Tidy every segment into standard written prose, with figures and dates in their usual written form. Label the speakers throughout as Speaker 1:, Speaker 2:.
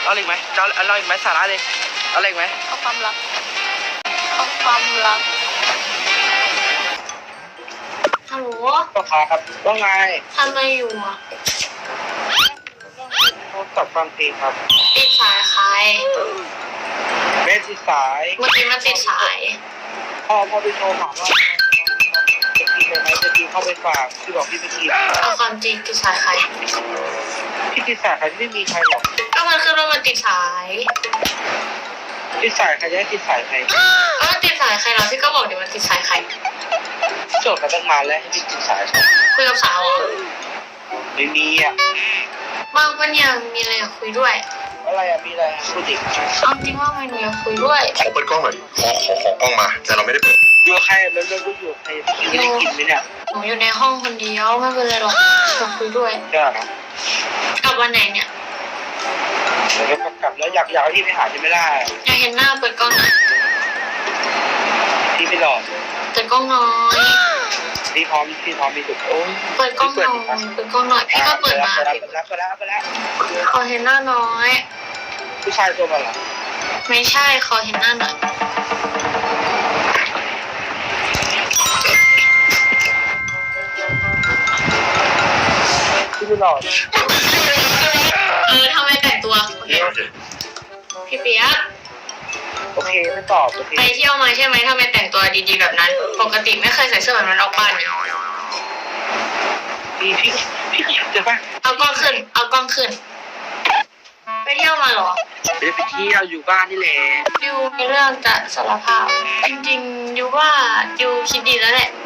Speaker 1: เอาอีกไหมจะเอาอีกไหมสาระเลยเอาอีกไหม
Speaker 2: เอาความรักเอาความรักฮัลโหล
Speaker 1: ก็ครับว่าไง
Speaker 2: ทำอะไรอยู่อ่ะ
Speaker 1: ตอบฟังเพลงครับ
Speaker 2: ติดสายใคร
Speaker 1: ไม่ติดสาย
Speaker 2: เมื่อกี้มันติดสาย
Speaker 1: พ่อไปโทรถามว่าจะกินอะไรไหมจะกินเข้าไปฝากพี่บอกพี่ไปกิน
Speaker 2: เอาความจริงติดสายใคร
Speaker 1: พี่ติดสายใครไม่มีใครหรอก
Speaker 2: ก็มันขึ้นว่ามันติดสาย
Speaker 1: ติดสายใครจะให้ติดสายใคร
Speaker 2: ก็ติดสายใครเราพี่ก็บอกเดี๋ยวมันติดสายใคร
Speaker 1: โจทย์กันตั้งนานแล้วให้พี่ติดสาย
Speaker 2: คุยกับสาว
Speaker 1: ไม่มีอ่ะ
Speaker 2: บางคนยังมีอะไรอยากคุยด้วย
Speaker 1: อะไรอ่ะมีอะไรพูดดิ
Speaker 2: เอาจริงว่ามันอยากคุยด้วย
Speaker 3: ขอเปิดกล้องหน่อยขอกล้องมาแต่เราไม่ได้เปิด
Speaker 1: อยู่ใครแล้วอยู่ใครพี่ได้กินไหมเนี่ย
Speaker 2: หนูอยู่ในห้องคนเดียวไม่เป็นไรหรอกอยากคุยด้วย
Speaker 1: ใช่
Speaker 2: กลับวันไหนเนี่ย
Speaker 1: เดี๋ยวกลับแล้วอยากให้พี่ไปหาจะไม่ได้
Speaker 2: อยากเห็นหน้าเปิดกล้องหน่อย
Speaker 1: พี่ไม่หลอก
Speaker 2: เปิดกล้องน้อย
Speaker 1: พี่พร้อมมีสุดโอ้ย
Speaker 2: เปิดกล้องหน่อยเปิดกล้องหน่อยพี่ก็เปิดมา
Speaker 1: ไปแล้ว
Speaker 2: ขอเห็นหน้าน้อย
Speaker 1: ผู้ชายตัวมันเหรอ
Speaker 2: ไม่ใช่ขอเห็นหน้าหน่อย
Speaker 1: พี่ไม่หลอก
Speaker 2: ทำไมแต่งตัวพี่เปียก
Speaker 1: โอเคไม่ตอบโอเค
Speaker 2: ไปเที่ยวมาใช่ไหมทำไมแต่งตัวดีๆแบบนั้นปกติไม่เคยใส่เสื้อแบบนั้นออกบ้าน
Speaker 1: พี่เจอป่ะ
Speaker 2: เอากล้องขึ้นไปเที่ยวมาหรอ
Speaker 1: ไม่ได้ไปเที่ยวอยู่บ้านนี่แหละ
Speaker 2: ดิวมีเรื่องจะสารภาพจริงๆดิวว่าดิวคิดดีแล้วแหละ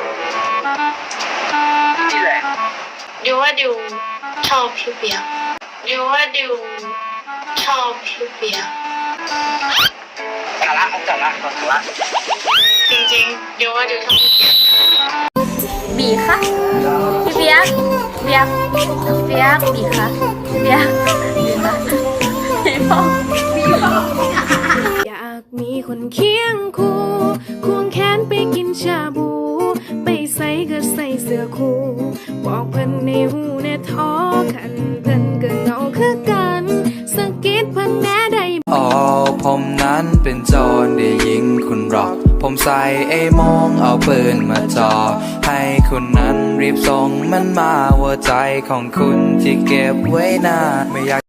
Speaker 1: นี่แหละ
Speaker 2: ดิวว่าดิวชอบพี่เปียกดิวว่าดิวชอบพี่เปียก
Speaker 1: สาระ
Speaker 2: จริงๆดิวว่าดิวชอบพี่เปียก
Speaker 4: บีค่ะพี่เปียกบีค่ะพี่พ่อ
Speaker 5: อยากมีคนเคียงคู่ควงแขนไปกินชาบูไปใส่ก็ใส่เสื้อคู่บอกเพิ่นในหูในท้อขันเพิ่นก็เงาคือกันสะกิดเพิ่นแน่ได้
Speaker 6: ผมนั้นเป็นโจรได้ยิงคุณหรอกผมใส่ไอ้มองเอาปืนมาจ่อให้คุณนั้นรีบส่งมันมาหัวใจของคุณที่เก็บไว้นานไม่อยาก